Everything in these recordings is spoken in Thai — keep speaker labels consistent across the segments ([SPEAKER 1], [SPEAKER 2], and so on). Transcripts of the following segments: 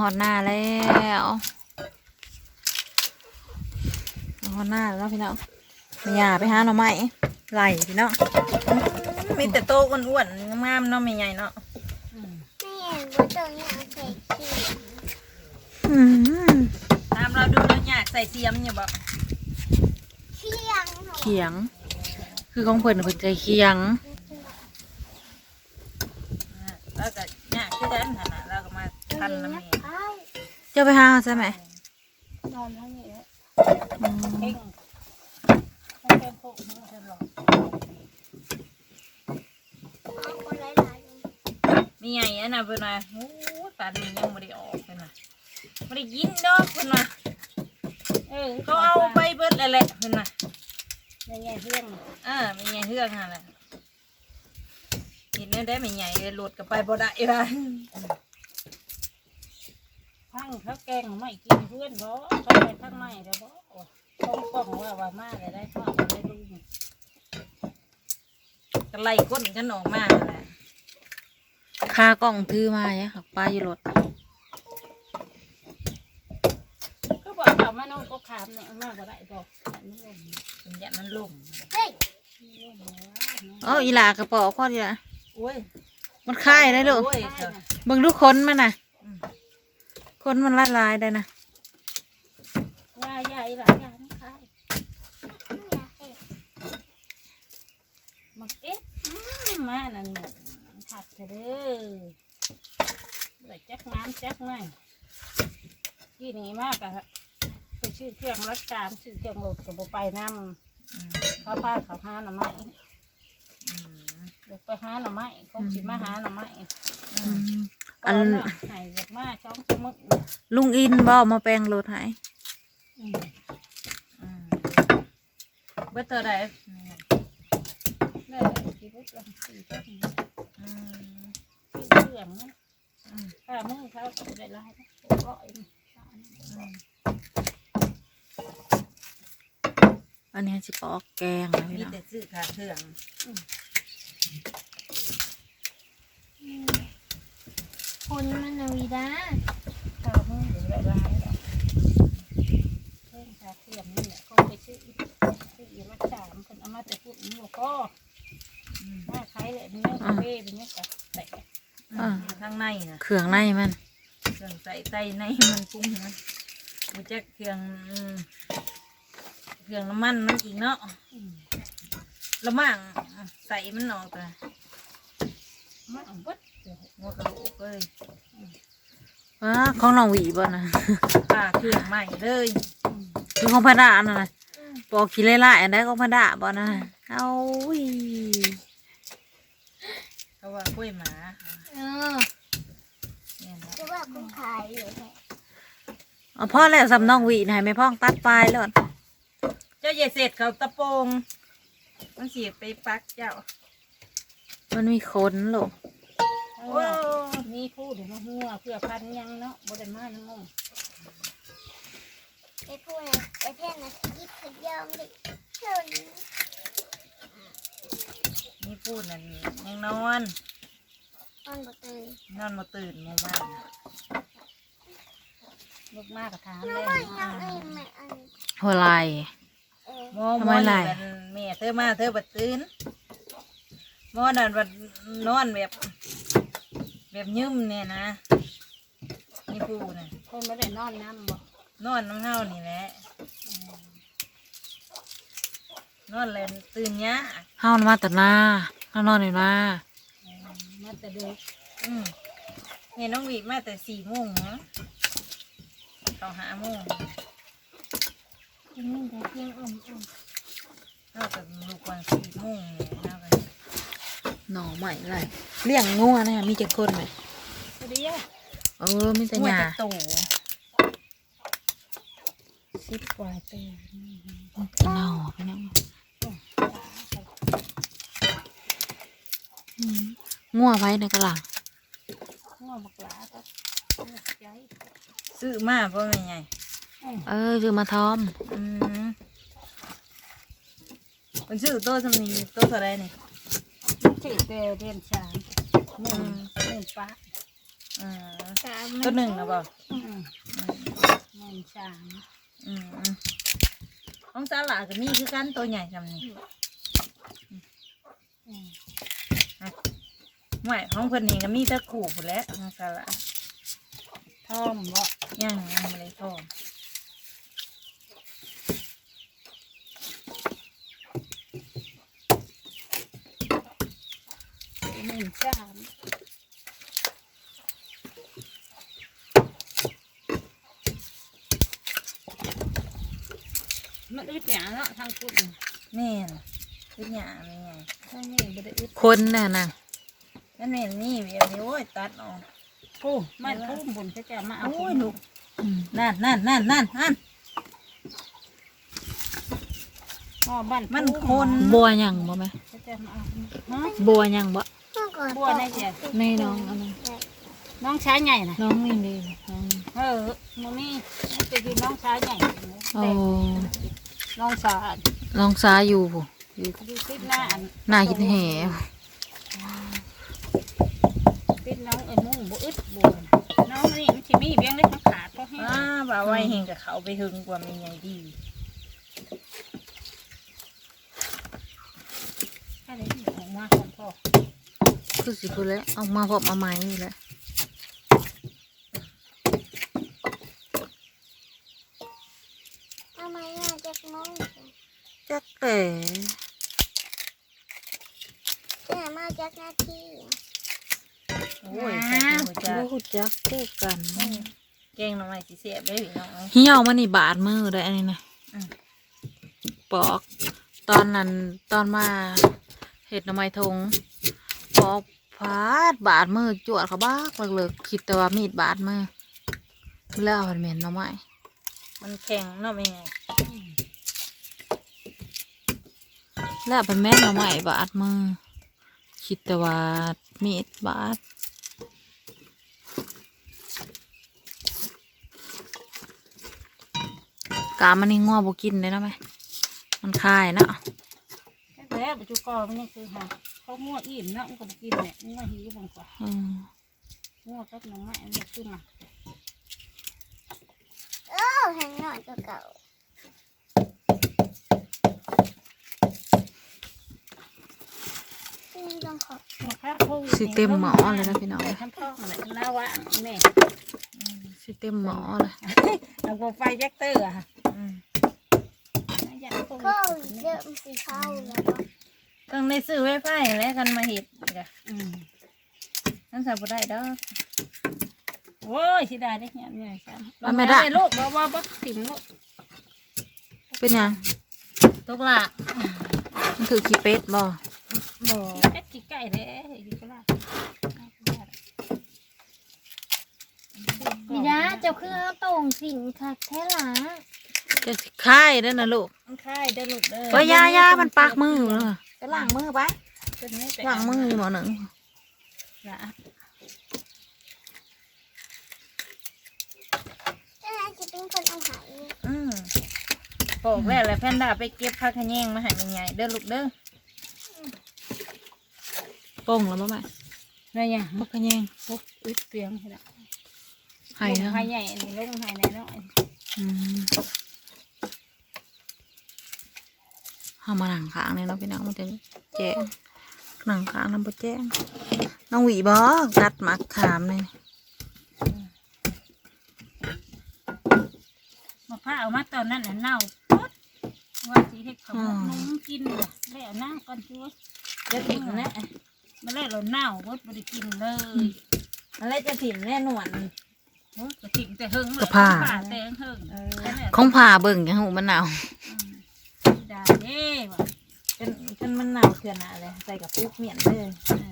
[SPEAKER 1] อดหน้าแล้วหอดหน้าแล้วพี่น้องไม่อยากไปหาหน่อไม้ไหลพี่น้องมีแต่โตอ้วนๆงามๆเนาะไม่ใหญ่เนาะ
[SPEAKER 2] ไม่เห็นว่าตัวนี้เอาใส่ขี้
[SPEAKER 1] ตามเราดูแล้วอยากใส่เสียมอยู่บ่
[SPEAKER 2] เคียง
[SPEAKER 1] เขียงคือของเพิ่นใจเคียงแล้วก็อยากที่ด้านขนาดแล้วก็มาทันน้ำเองเจ้าไปหาใช่ไหม
[SPEAKER 3] นอนทั้งนี้แล้วเพ่งเป็นพวกนี้จะหลอก
[SPEAKER 2] เอาคนหลายๆ
[SPEAKER 1] มีไงอันน่ะเพิ่นว่าโอ้ปานนี้ยังไม่ได้ออกเพิ่นว่าไม่ได้ยินดอกเพิ่นว่าเขาเอาไปเบิดแล้วแหละเพิ่นว่า
[SPEAKER 3] ในไงเรื่อง
[SPEAKER 1] มีไงเฮือกหั่นแหละเห็นได้ไม่ใหญ่เลยหลุดกับไปบ่ได้ว่า
[SPEAKER 3] ทั้งเขาแกงไม่กินเพื่อนบ่เขาไปทั้งไม่ได้บ่ต้องกล้องว่ามาเลยได้ข้าวได้ดู
[SPEAKER 1] ก็ไล่ก้นกันออกมาแหละคากล้องถือมาเนี่ยค่ะป้าอยู่รถ
[SPEAKER 3] ก็บอกเขามาน้องก็ขามเนี่ยมากกว่าได้บอกอันนี้
[SPEAKER 1] เป็นยันมันลุ่ม
[SPEAKER 2] เฮ้ย
[SPEAKER 1] อีหลากระป๋อข้อดีละ
[SPEAKER 3] โอ้ย
[SPEAKER 1] มันคายได้ลูกเบิ่งดูคนมันน่ะคนมันละลายได้นะ
[SPEAKER 3] ว่าใหญ่หลายอย่างนะคะ มักเอ๊ะมานั่นผัดเถอะเด้อเลยจักน้ำจักหน่อยที่นี่มากอะไปชื่อเครื่องรักการชื่อเครื่องรถกับไปน้ำเขาพาเขาหาหน่อไม้เดี๋ยวไปหาหน่อไม้คงสิมาหาหน่อไม้อันไหนเด็กมาช่องสมุก
[SPEAKER 1] ลุงอินบ่มาแปลงรถให้เบิดเท่าใด
[SPEAKER 3] ได้ที่พุทธลังสีก็มีเครื่องนะข้ามือเขาได้ลายร้อย
[SPEAKER 1] อันนี้สิปอกแกงนะพี่
[SPEAKER 3] มี
[SPEAKER 1] น้อง
[SPEAKER 3] แต่ซื้อขาเครื่อง
[SPEAKER 2] คนมันนาวิดา
[SPEAKER 3] ข้ามือได้ลายเครื่องขาเครื่องนี่แหละก็ไปซื้อมาสามคนเอามาแต่พูดนี่ก็หน้าคล้ายเลยเป็นเนื้อกาแฟเป็นเนื้อกับแต่
[SPEAKER 1] ข้างในนะเครื่องในมันเครื่องใส่ไตในมันปรุงมันมันจะเครื่องน้ำมันมันอีกเนาะละมั่งใส่มันออกแต่
[SPEAKER 3] มาวัด
[SPEAKER 1] หัวกระโหลกเลยของน้องหวีบ่นะเครื่องใหม่เลยคือของพระดาน่ะนะปอกขี้ไล่ๆอันได้ของพระดาบ่นะเอาเขาว่ากล้วยหมาเนี่ยนะ
[SPEAKER 2] จะว่าคุณขายอยู่ไหม
[SPEAKER 1] พ่อแล้วสำน้องหวีไหนไม่พ่องตัดปลายแล้วเจ้าอย่าเสร็จเขาตะโปงมันเสียไปปักเจ้ามันมีขนหรอ
[SPEAKER 3] นี่พูดถึงหัวเพื่อพันยังเนาะบไดมาน้อง
[SPEAKER 2] ไอ้พวกนั้นไอ้เท่นนะยิบขยองดิชน
[SPEAKER 1] นี่พูดนั่นยังนอน
[SPEAKER 2] นอนบ่ตื่น
[SPEAKER 1] นอนมาตื่นมาบ้าน
[SPEAKER 3] ลูกมากกับถาม
[SPEAKER 2] น้
[SPEAKER 3] เล
[SPEAKER 2] อย ยยังไอ้แม่อัน
[SPEAKER 1] หัวไหล
[SPEAKER 2] เออ
[SPEAKER 1] หมอหมอนี่แม่เธอมาเธอบัดตื่นหมอนั่นบัดนอนแบบยืมเนี่ยนะนี่พูดน่ะ
[SPEAKER 3] คนไม่ได้นอนน้ำบ่
[SPEAKER 1] นอนน้ำเฮานี่แหละนอนเลยตื่นเนี้ยเฮามาแต่หน้าเฮานอนอยู่หน้า
[SPEAKER 3] มาแต่เด็ก
[SPEAKER 1] เนี่ยน้องวีมาแต่4 โมงเนาะต่อ5 โมง
[SPEAKER 2] กินนี่แต่เพียงอ่อน
[SPEAKER 1] เรากับลูกวัน4 โมงเนี่ยเรากันหน่อใหม่ไรเลี้ยงงัวเนี่ยมีเจ็ดคนไหม
[SPEAKER 3] พอดีอ่ะ
[SPEAKER 1] มีแต่หญ้า
[SPEAKER 3] โต10 กว่าปี
[SPEAKER 1] หน่อไปนั่งงัวไว้ในกระหลัง
[SPEAKER 3] หัวบักหลาก็ใจ
[SPEAKER 1] ซื้อมาเพราะไม่ไงซื้อมาทอมมันซื้อโต๊ะสำนีโต๊ะอะไรนี่
[SPEAKER 3] ชื่อเดือน3 1 1 ป้า
[SPEAKER 1] อืม
[SPEAKER 2] สาม
[SPEAKER 1] ตัวหนึ่งนะบอก
[SPEAKER 3] มันสาม
[SPEAKER 1] ของสาหร่าก็มีคือกันตัวใหญ่จำนี่ไม่ของเพิ่นนี่ก็มีแตะขู่หมดแล้วของสาหร่า
[SPEAKER 3] ท่อมบ่
[SPEAKER 1] ยังไม่ได้ทอด
[SPEAKER 3] มันสามมันอึดหยาเนาะทางคุณ
[SPEAKER 1] แม่นคือหยาไม่ไง
[SPEAKER 3] ทางนี้บ่ได้อึด
[SPEAKER 4] คนน่ะนะ
[SPEAKER 1] นั่นแม่นนี่เวียวนี่โอ้ยตัดออก
[SPEAKER 3] ผู้มันผู้บุญเขาจะมาเอา
[SPEAKER 1] โอ้ย
[SPEAKER 3] ผม
[SPEAKER 1] ลูกนั่นนั่น
[SPEAKER 3] พ่อบ้าน
[SPEAKER 1] มัน
[SPEAKER 3] ผู้
[SPEAKER 1] คน
[SPEAKER 4] บัวหยังบ่แม่
[SPEAKER 3] เขาจะมาเอาฮะ
[SPEAKER 4] บัวหยังบ่
[SPEAKER 3] บัวในเสีย
[SPEAKER 4] ในน้องอันนั้น
[SPEAKER 3] น้องชายใหญ่น่ะ
[SPEAKER 4] น้องนี่เลยน้อง
[SPEAKER 3] มันนี่นี่จะกินน้องชายใหญ่
[SPEAKER 4] โอ้
[SPEAKER 3] น้องสาว
[SPEAKER 4] น้องสาอยู่ผู้อยู่
[SPEAKER 3] ดูติดหน้า
[SPEAKER 4] หน้าหินแหว
[SPEAKER 3] ติดน้องมุ่งบ่อึดบัวน้องนี่มันสิมีเบี้ยงเล็กมันขาดเพราะให้
[SPEAKER 1] บ่าวไว้เฮงกับเขาไปถึงกว่ามีไงดี
[SPEAKER 3] แค่นี้ออกมาของพ่อ
[SPEAKER 4] คือสิพูดแล้วเอามาพบมาใหม่นี่แหละ
[SPEAKER 2] ทำไมจากมอง
[SPEAKER 4] จักแต่
[SPEAKER 2] จะมาจากหน้าที่
[SPEAKER 1] โอ้ยใส่หัวใจ
[SPEAKER 4] รู้จักคู่กัน
[SPEAKER 1] แกงหน่อไม้สีเสียบได้หรือน้อง
[SPEAKER 4] เหี่ยวมานี่บาดมือได้อันนี้นะ
[SPEAKER 1] อืม
[SPEAKER 4] ปอกตอนนั้นตอนมาเห็ดหน่อไม้ทงปอกพาดบาดมือจวดเขาบ้ากเลิกคิดแต่ว่ามีดบาดมือแล้วเอาเหม็นหน่อไม้
[SPEAKER 1] มันแข็งเนาะไม่ไง
[SPEAKER 4] แล้วเป็นแม่นหน่อไม้บาดมือคิดแต่ว่ามีดบาดกามันนี่งัวบ่กินเลยนะแม่มันคายเนาะ
[SPEAKER 3] แค่แล้วปัจจุบันนี่คือหาเขามั่วอิ่มเนาะมันก็บ่กินเนี่ยมั่วหิวบางกว่า
[SPEAKER 4] อืม
[SPEAKER 3] มั่วกับน้องไม้มันขึ้นมา
[SPEAKER 2] แห่งหน่อยตัวเก่าต้องขอบ
[SPEAKER 4] สิเต็มหมอเลยนะพี่น้อง
[SPEAKER 3] ทำท้องอะไรน้าวะแม่
[SPEAKER 4] สิเต็มหมอเลย
[SPEAKER 3] เอาโกไฟแจ็คเตอร์อะ
[SPEAKER 2] ก็เริ่มสีเข้าแล้วก็
[SPEAKER 1] ต้องได้ซื้อไว้ไฟแล้วกันมาเห็ดกะ นั่นสับได้ดอก
[SPEAKER 3] โอ้ยสิได้ได้เนี่ยเนี่ยใช่
[SPEAKER 4] เอาไม่ได้
[SPEAKER 3] ลูกบ่ถิ่มลูก
[SPEAKER 4] เป็นยัง
[SPEAKER 1] ตุกละ
[SPEAKER 4] มันถือขี้เป็ดบ่
[SPEAKER 1] บ่
[SPEAKER 3] แค่กี่ไก่เด้อยู่ก็ได้
[SPEAKER 2] พี่ดาเจ้าคือเอาตรงสินค่ะแท้หล่ะ
[SPEAKER 4] จะสิค่ายแล้วนะลูก
[SPEAKER 1] มันคายได้อลูกเด้อ
[SPEAKER 4] เอ้ยยามันปากมืออยู่เลย
[SPEAKER 1] จะล้างมือไป
[SPEAKER 4] ล้างมืออยู่หมอหนึ่ง
[SPEAKER 3] นะ
[SPEAKER 2] เจ้าจะเป็นคนเอาหาย
[SPEAKER 1] บอกแล้วแหละแพนด้าไปเก็บผักขะแยงมาให้แม่ใหญ่เด้อลูกเด้อ
[SPEAKER 4] โป่งแล้วบ่แม่
[SPEAKER 3] อะไรอย่าง
[SPEAKER 4] บักกะแยง
[SPEAKER 3] ปุ๊บอึดเสียงใช่ไหม
[SPEAKER 4] ไห้นะ
[SPEAKER 3] ไห้ใหญ่นี่ลงไห้ในน้อย
[SPEAKER 4] อืมเอามาหนังค้างเลยเนาะพี่น้องมันจะแจ้งหนังค้างน้ำบ่แจ้งน้องหวีบ่กัดหมักขามเลย
[SPEAKER 3] มะพร้าวมาตอนนั้นเน่าปุ๊บว่าสีเห็ดขมนุ่มกินเลยแล้วหน้าก่อนช่วย
[SPEAKER 1] จะถิ่มแน่
[SPEAKER 3] มาแล้วเราเน่าปุ๊บไม่ได้กินเลย
[SPEAKER 1] อะไรจะถิ่มแน่นวล
[SPEAKER 3] กระถิ่นแต่เฮิงเลยแต่เฮิง
[SPEAKER 4] ของผ่าเบิ่งยังหูมันหนาว
[SPEAKER 3] ได้เด้ว่ะ
[SPEAKER 1] เป็นมันหนาวเถื่อนอะไรใส่กับปุ๊กเมียนเด้อ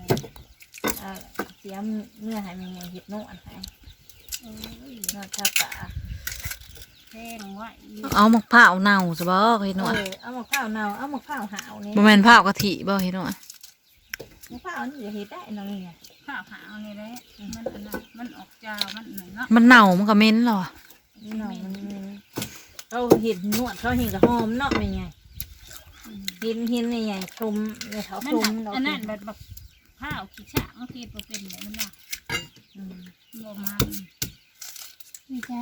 [SPEAKER 1] เสียเนื้อให้แม่ใหญ่เห็ดนวลให้นวดชาปะ
[SPEAKER 3] แห้งไว้
[SPEAKER 4] เอาหมกผ้าวเน่าซะบ่เฮ็ดหน่อย
[SPEAKER 1] เอามะพร้าวเนาเอามะพร้าวหาวนี่
[SPEAKER 4] บ่แม่นผ้าวกะทิบ่เฮ็ดหน่อย
[SPEAKER 1] มะพร้าวนี่จะเห็ดได้น้องนี่ไง
[SPEAKER 3] ข้าวขาวนี่แหละมันอันนั้นมันออกจาวมันหนึ่งเนาะ
[SPEAKER 4] มันเน่ามันก็เหม็นแล้วอะ
[SPEAKER 1] น้องมันเขาเห็ดนวดเขาเห็ดกับหอมเนาะเป็นไงเห็นในใหญ่ชมในเขา
[SPEAKER 3] มัน
[SPEAKER 1] ชม
[SPEAKER 3] อันนั้นแบบข้าวขี้ฉะบางทีเป็นแบบนั้นเนาะบ่มัน
[SPEAKER 2] ไม่ใช่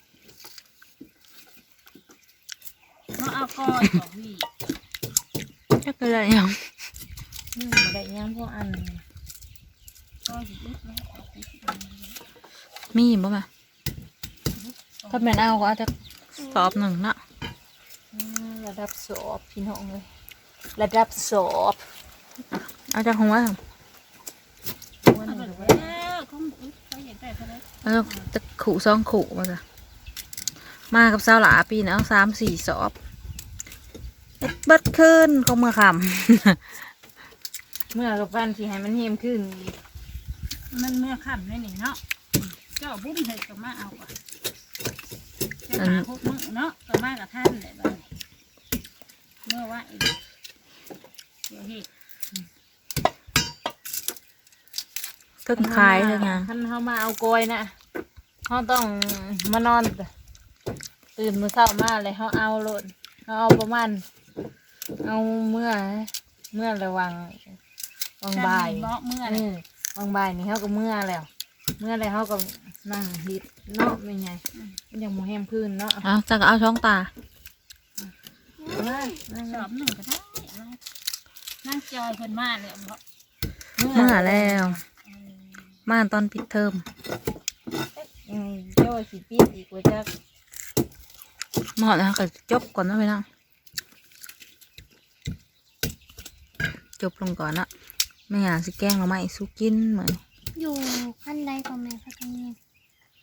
[SPEAKER 3] มาเอาก้อยของพี่
[SPEAKER 4] จักอะไรยัง
[SPEAKER 1] บ่ได้ยังพวกอัน
[SPEAKER 3] ก้อยสิลึกแล้วเอาไปสิเอา
[SPEAKER 4] มีบ่มาถ้าแม่นเอาก็อาจจะสอบหนึ่งเนาะ
[SPEAKER 1] ระดับสอบพี่น้องเลยระดับสอบ
[SPEAKER 4] เอาจากของไว้ค่ะ
[SPEAKER 1] วัน
[SPEAKER 3] เอา
[SPEAKER 1] นี้
[SPEAKER 3] ไป
[SPEAKER 1] ก็
[SPEAKER 3] แล้วเขาเขาอยากได้เท่าไหร่
[SPEAKER 4] เอาจะขู่ซองขู่มาจ้ะมากับสาวหลาปีนะเอา3-4 สอบเฮ็ดเบิดขึ้นเขาเมื่อค
[SPEAKER 1] เมื่อกับฟันสิให้มันเฮมขึ้น
[SPEAKER 3] มันเมื่อค่ำเลยนี่เนาะเจ้าบุ้มเห็ดก็มาเอาอ่ะเจ้าหาพวกมึงเนาะก็มากับท่านเลยบ้างเมื่อว่าอีกเดี๋ยวเห็ด
[SPEAKER 4] ำทึกขายเลยไง
[SPEAKER 1] คันเขามาเอากลอยนะเขาต้องมานอนตื่นมื้อเช้ามาเลยเขาเอาโลดเขาเอาประมาณเอาเมื่อระวังบ่าย
[SPEAKER 3] เนาะเมื่อ
[SPEAKER 1] เออบ่ายนี่เขาก็เมื่อแล้วเขาก็นั่งฮิตเนาะไม่ไงมันยังโมแฮมพื้นเนาะ
[SPEAKER 4] เอาจะเอาช่องตา
[SPEAKER 3] สอบหนึ่งก็ได้นั่งจอยคนมาเลยเพราะ
[SPEAKER 4] เมื่อแล้ว มาตอนปิดเทอม
[SPEAKER 1] เจ้าสิปีดอีกว่าจะ
[SPEAKER 4] มาหอดแล้วก็จบก่อนนะพี่น้องจบลงก่อนนะไม่อยากสิแกล้งเราไม่สู้กินเหมือน
[SPEAKER 2] อยู่